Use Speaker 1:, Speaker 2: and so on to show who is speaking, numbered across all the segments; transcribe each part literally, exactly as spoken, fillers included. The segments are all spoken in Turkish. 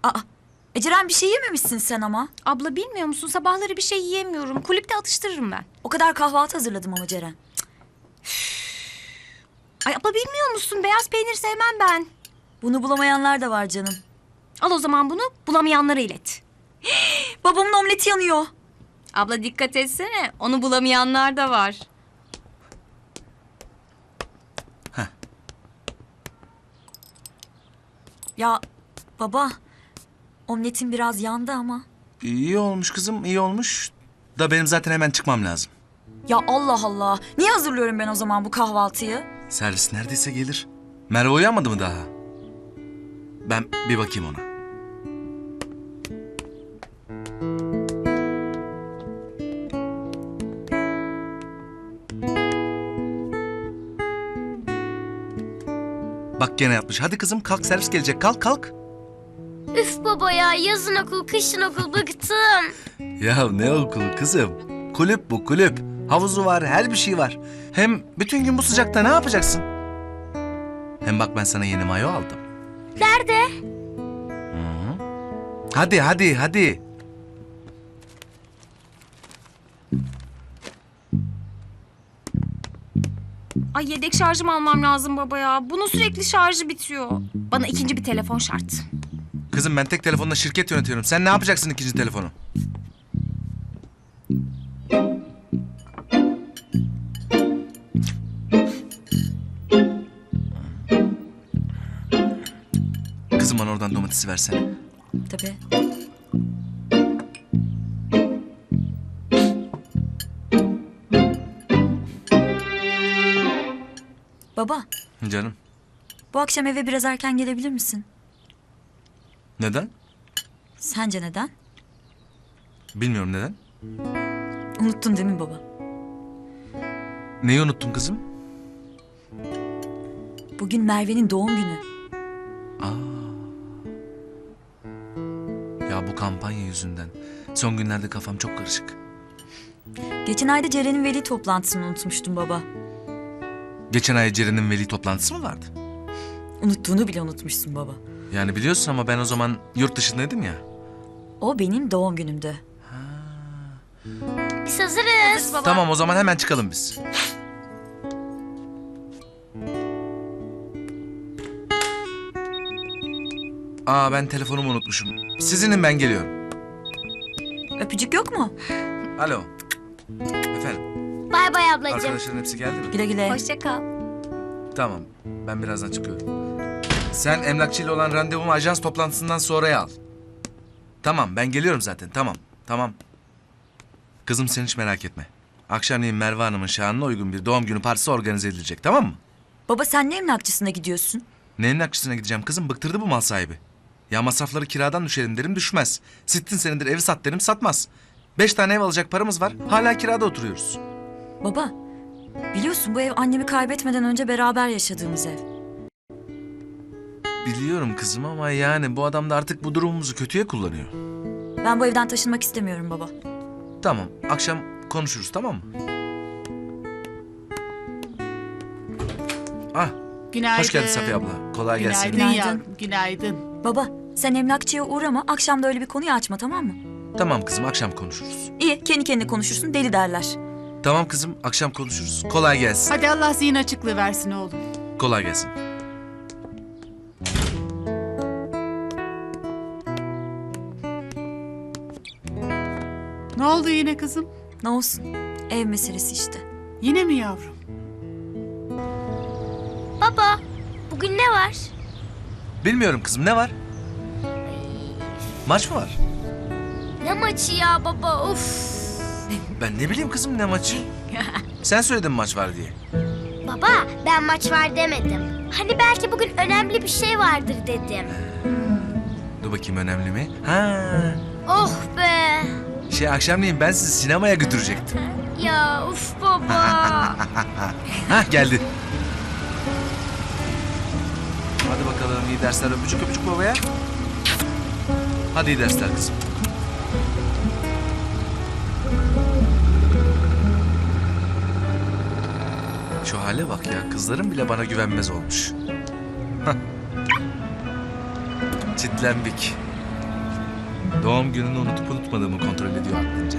Speaker 1: Aa, Eceren bir şey yememişsin sen ama.
Speaker 2: Abla bilmiyor musun? Sabahları bir şey yiyemiyorum. Kulüpte atıştırırım ben.
Speaker 1: O kadar kahvaltı hazırladım ama Ceren.
Speaker 2: Ay abla bilmiyor musun? Beyaz peynir sevmem ben.
Speaker 1: Bunu bulamayanlar da var canım.
Speaker 2: Al o zaman bunu bulamayanlara ilet.
Speaker 1: Babamın omleti yanıyor.
Speaker 2: Abla dikkat etsene. Onu bulamayanlar da var.
Speaker 1: Ya baba, omletin biraz yandı ama.
Speaker 3: İyi olmuş kızım, iyi olmuş. Da benim zaten hemen çıkmam lazım.
Speaker 1: Ya Allah Allah. Niye hazırlıyorum ben o zaman bu kahvaltıyı?
Speaker 3: Servis neredeyse gelir. Merve uyanmadı mı daha? Ben bir bakayım ona. Bak gene yapmış. Hadi kızım kalk, servis gelecek. Kalk kalk.
Speaker 4: Üf baba ya, yazın okul, kışın okul, bıktım.
Speaker 3: Ya ne okulu kızım? Kulüp bu kulüp. Havuzu var, her bir şey var. Hem bütün gün bu sıcakta ne yapacaksın? Hem bak ben sana yeni mayo aldım.
Speaker 4: Nerede?
Speaker 3: Hadi hadi hadi.
Speaker 2: Ay yedek şarjım almam lazım baba ya. Bunun sürekli şarjı bitiyor. Bana ikinci bir telefon şart.
Speaker 3: Kızım ben tek telefonla şirket yönetiyorum. Sen ne yapacaksın ikinci telefonu? Kızım bana oradan domatesi versene.
Speaker 1: Tabii. Baba,
Speaker 3: Canım.
Speaker 1: bu akşam eve biraz erken gelebilir misin?
Speaker 3: Neden?
Speaker 1: Sence neden?
Speaker 3: Bilmiyorum neden.
Speaker 1: Unuttun değil mi baba?
Speaker 3: Neyi unuttun kızım?
Speaker 1: Bugün Merve'nin doğum günü.
Speaker 3: Ya bu kampanya yüzünden. Son günlerde kafam çok karışık.
Speaker 1: Geçen ayda Ceren'in veli toplantısını unutmuştum baba.
Speaker 3: Geçen ay Ceren'in veli toplantısı mı vardı?
Speaker 1: Unuttuğunu bile unutmuşsun baba.
Speaker 3: Yani biliyorsun ama ben o zaman yurt dışındaydım ya.
Speaker 1: O benim doğum günümdü.
Speaker 4: Biz hazırız.
Speaker 2: Baba.
Speaker 3: Tamam o zaman hemen çıkalım biz. Aa ben telefonumu unutmuşum. Sizinim ben geliyorum.
Speaker 1: Öpücük yok mu?
Speaker 3: Alo. Efendim
Speaker 4: Bay bay ablacığım.
Speaker 3: arkadaşların hepsi geldi mi?
Speaker 1: Güle güle.
Speaker 2: Hoşça kal.
Speaker 3: Tamam ben birazdan çıkıyorum. Sen emlakçıyla olan randevumu ajans toplantısından sonraya al. Tamam ben geliyorum zaten tamam tamam. Kızım sen hiç merak etme. Akşamleyin Merve Hanım'ın şanına uygun bir doğum günü partisi organize edilecek tamam mı?
Speaker 1: Baba sen ne emlakçısına gidiyorsun?
Speaker 3: Ne emlakçısına gideceğim kızım bıktırdı bu mal sahibi. Ya masrafları kiradan düşelim derim düşmez. Sittin senedir evi sat derim satmaz. Beş tane ev alacak paramız var hala kirada oturuyoruz.
Speaker 1: Baba, biliyorsun bu ev annemi kaybetmeden önce beraber yaşadığımız ev.
Speaker 3: Biliyorum kızım ama yani bu adam da artık bu durumumuzu kötüye kullanıyor.
Speaker 1: Ben bu evden taşınmak istemiyorum baba.
Speaker 3: Tamam akşam konuşuruz tamam mı? Ah
Speaker 5: Günaydın.
Speaker 3: hoş geldin Safiye abla. Kolay gelsin.
Speaker 5: Günaydın
Speaker 1: Günaydın.
Speaker 5: yavrum, günaydın.
Speaker 1: Baba, sen emlakçıya uğrama, akşam da öyle bir konuyu açma tamam mı?
Speaker 3: Tamam kızım akşam konuşuruz.
Speaker 1: İyi, kendi kendine konuşursun, deli derler.
Speaker 3: Tamam kızım akşam konuşuruz. Kolay gelsin.
Speaker 5: Hadi Allah zihin açıklığı versin oğlum.
Speaker 3: Kolay gelsin.
Speaker 5: Ne oldu yine kızım?
Speaker 1: Ne olsun, ev meselesi işte.
Speaker 5: Yine mi yavrum?
Speaker 4: Baba, bugün ne var?
Speaker 3: Bilmiyorum kızım ne var? Maç mı var?
Speaker 4: Ne maçı ya baba, uf.
Speaker 3: Ben ne bileyim kızım ne maçı? Sen söyledin maç var diye.
Speaker 4: Baba, ben maç var demedim. Hani belki bugün önemli bir şey vardır dedim.
Speaker 3: Dur bakayım önemli mi? Ha,
Speaker 4: Oh be.
Speaker 3: şey akşamleyin ben sizi sinemaya götürecektim.
Speaker 4: Ya uf baba.
Speaker 3: Hah geldi. Hadi bakalım iyi dersler öpücük öpücük babaya. Hadi iyi dersler kızım. Şu hale bak ya kızlarım bile bana güvenmez olmuş. Hah. Çitlenbik. Doğum gününü unutup unutmadığımı kontrol ediyor aklınca.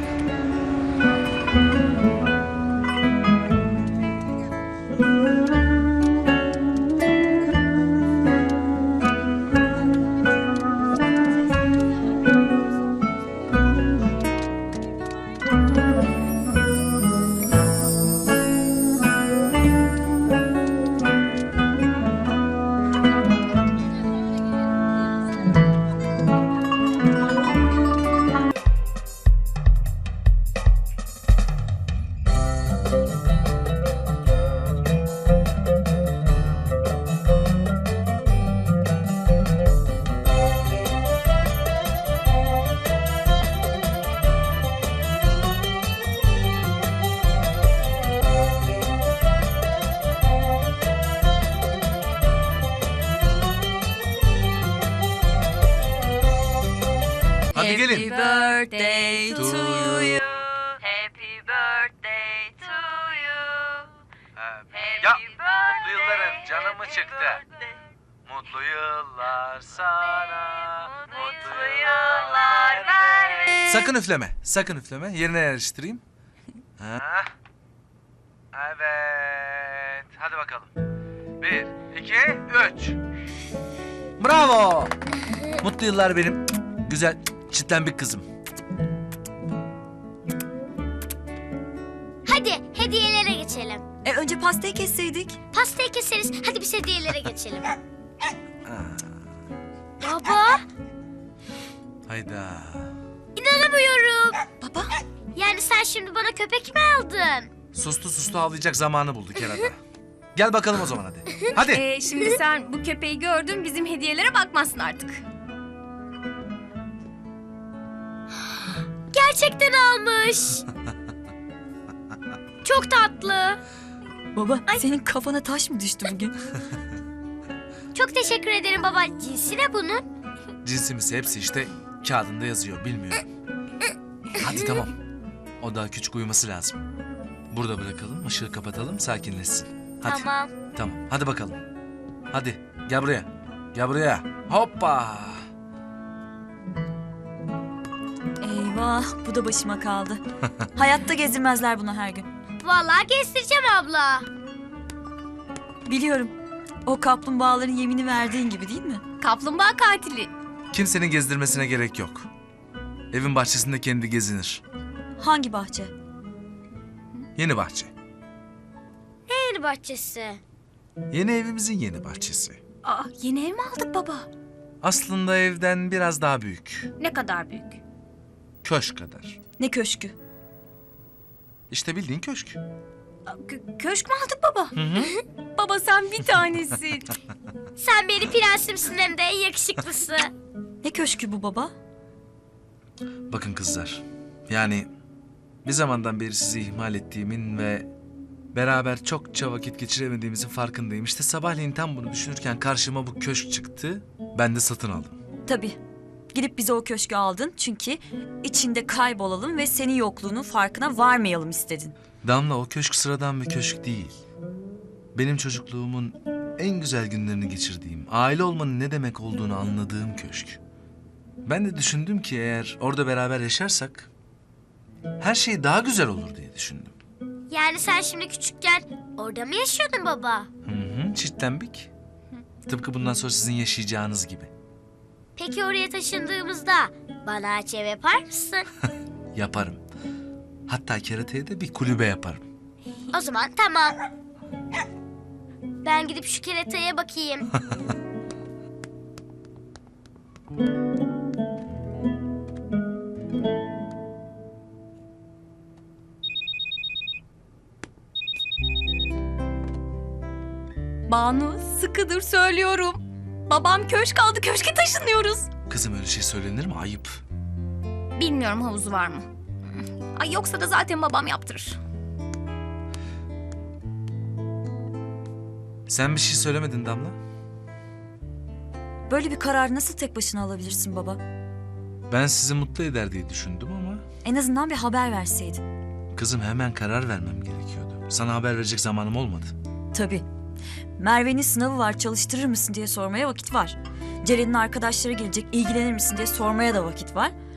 Speaker 3: Hadi gelin.
Speaker 1: birthday
Speaker 3: to you.
Speaker 1: Happy birthday to you.
Speaker 3: Ya mutlu yılların canımı çıktı. Mutlu yıllar sana. Mutlu yıllar vermeyin. Sakın üfleme. Sakın üfleme. Yerine yerleştireyim. Ha. Evet. Hadi bakalım. Bir, iki, üç. Bravo. Mutlu yıllar benim güzel çitlenbik kızım.
Speaker 4: Hadi hediyelere geçelim.
Speaker 1: E önce pastayı kesseydik.
Speaker 4: Pastayı keseriz. Hadi biz hediyelere geçelim. Baba,
Speaker 3: Hayda.
Speaker 4: inanamıyorum.
Speaker 1: Baba.
Speaker 4: Yani sen şimdi bana köpek mi aldın?
Speaker 3: Sustu sustu ağlayacak zamanı bulduk herhalde. Gel bakalım o zaman hadi. Hadi.
Speaker 2: Ee, şimdi sen bu köpeği gördün, bizim hediyelere bakmazsın artık.
Speaker 4: Gerçekten almış. Çok tatlı.
Speaker 1: Baba senin kafana taş mı düştü bugün?
Speaker 4: Çok teşekkür ederim baba. Cinsi ne bunun?
Speaker 3: Cinsimiz hepsi işte kağıdında yazıyor bilmiyorum. Hadi tamam. O daha küçük uyuması lazım. Burada bırakalım, ışığı kapatalım, sakinleşsin. Hadi.
Speaker 4: Tamam.
Speaker 3: Tamam. Hadi bakalım. Hadi gel buraya. Gel buraya. Hoppa.
Speaker 1: Eyvah bu da başıma kaldı. Hayatta gezdirmezler bunu her gün.
Speaker 4: Vallahi gezdireceğim abla.
Speaker 1: Biliyorum. O kaplumbağaların yemini verdiğin gibi değil mi?
Speaker 2: Kaplumbağa katili.
Speaker 3: Kimsenin gezdirmesine gerek yok. Evin bahçesinde kendi gezinir.
Speaker 1: Hangi bahçe?
Speaker 3: Yeni bahçe.
Speaker 4: Yeni bahçesi.
Speaker 3: Yeni evimizin yeni bahçesi.
Speaker 2: Aa, yeni ev mi aldık baba?
Speaker 3: Aslında evden biraz daha büyük.
Speaker 2: Ne kadar büyük?
Speaker 3: Köşk kadar.
Speaker 1: Ne köşkü?
Speaker 3: İşte bildiğin köşk.
Speaker 2: Aa, kö- köşk mü aldık baba? Baba sen bir tanesin.
Speaker 4: Sen benim prensimsin hem de en yakışıklısı.
Speaker 1: Ne köşkü bu baba?
Speaker 3: Bakın kızlar. Yani bir zamandan beri sizi ihmal ettiğimin ve beraber çokça vakit geçiremediğimizin farkındayım. İşte sabahleyin tam bunu düşünürken karşıma bu köşk çıktı. Ben de satın aldım.
Speaker 1: Tabii. Gidip bize o köşkü aldın çünkü içinde kaybolalım ve senin yokluğunun farkına varmayalım istedin.
Speaker 3: Damla, o köşk sıradan bir köşk değil. Benim çocukluğumun en güzel günlerini geçirdiğim, aile olmanın ne demek olduğunu anladığım köşk. Ben de düşündüm ki eğer orada beraber yaşarsak her şey daha güzel olur diye düşündüm.
Speaker 4: Yani sen şimdi küçükken orada mı yaşıyordun baba?
Speaker 3: Hı hı, çitlenbik. Tıpkı bundan sonra sizin yaşayacağınız gibi.
Speaker 4: Peki oraya taşındığımızda bana aç ev yapar mısın?
Speaker 3: Yaparım. Hatta kerateye de bir kulübe yaparım.
Speaker 4: O zaman tamam. Ben gidip şu kerataya bakayım.
Speaker 2: Banu sıkıdır söylüyorum. Babam köşk aldı, köşke taşınıyoruz.
Speaker 3: Kızım öyle şey söylenir mi? Ayıp.
Speaker 2: Bilmiyorum havuzu var mı? Ay yoksa da zaten babam yaptırır.
Speaker 3: Sen bir şey söylemedin Damla.
Speaker 1: Böyle bir kararı nasıl tek başına alabilirsin baba?
Speaker 3: Ben sizi mutlu eder diye düşündüm ama...
Speaker 1: En azından bir haber verseydin.
Speaker 3: Kızım hemen karar vermem gerekiyordu. Sana haber verecek zamanım olmadı.
Speaker 1: Tabii. Merve'nin sınavı var, çalıştırır mısın diye sormaya vakit var. Ceren'in arkadaşları gelecek, ilgilenir misin diye sormaya da vakit var.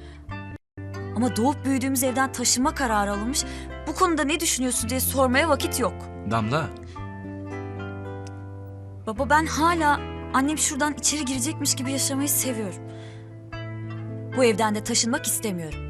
Speaker 1: Ama doğup büyüdüğümüz evden taşınma kararı alınmış. Bu konuda ne düşünüyorsun diye sormaya vakit yok.
Speaker 3: Damla.
Speaker 1: Baba ben hala annem şuradan içeri girecekmiş gibi yaşamayı seviyorum. Bu evden de taşınmak istemiyorum.